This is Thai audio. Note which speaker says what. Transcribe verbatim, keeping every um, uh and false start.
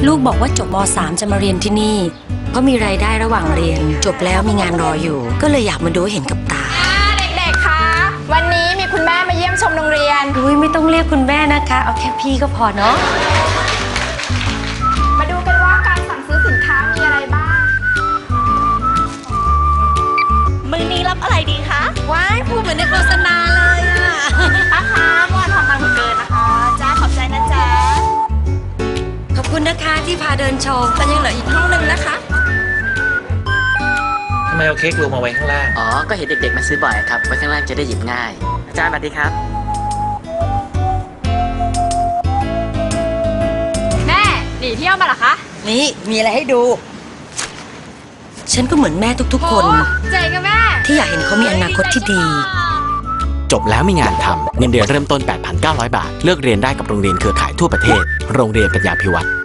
Speaker 1: ลูกบอกว่าจบม สาม จะมาเรียนที่นี่เพราะมีรายได้ระหว่างเรียนจบแล้วมีงานรออยู่ก็เลยอยากมาดูเห็นกับตา
Speaker 2: เด็กๆคะวันนี้มีคุณแม่มาเยี่ยมชมโรงเรียน
Speaker 1: อุ้ยไม่ต้องเรียกคุณแม่นะคะเอาแค่พี่ก็พอเนาะ
Speaker 2: มาดูกันว่าการสั่งซื้อสินค้ามีอะไรบ้าง
Speaker 3: มื้อนี้รับอะไรดีคะ
Speaker 1: ว้ายพูดเหมือนในโฆษณาเลยอะ
Speaker 3: ป้าคะเมื่อวานทำตังค์ถูกเกินนะคะจ้าขอบใจนะจ๊ะ
Speaker 1: ขอบคุณนะคะที่พาเดินชมแต่ยังเหลืออีกห้องนึงนะคะ
Speaker 4: ทำไมเอาเค้กลงมาไว้ข้างล่าง
Speaker 5: อ๋อก็เห็นเด็กๆมาซื้อบ่อยครับไว้ข้างล่างจะได้หยิบง่ายอาจารย์สวัสดีครับ
Speaker 2: แม่หนีเที่ยวมาเหรอคะ
Speaker 1: นี่มีอะไรให้ดูฉันก็เหมือนแม่ทุกๆคน
Speaker 2: เจ๋งอะแม่
Speaker 1: ที่อยากเห็นเขามีอนาคตที่ดี
Speaker 6: จบแล้วมีงานทำเงินเดือนเริ่มต้น แปดพันเก้าร้อย บาทเลือกเรียนได้กับโรงเรียนเครือข่ายทั่วประเทศโรงเรียนปัญญาภิวัฒน์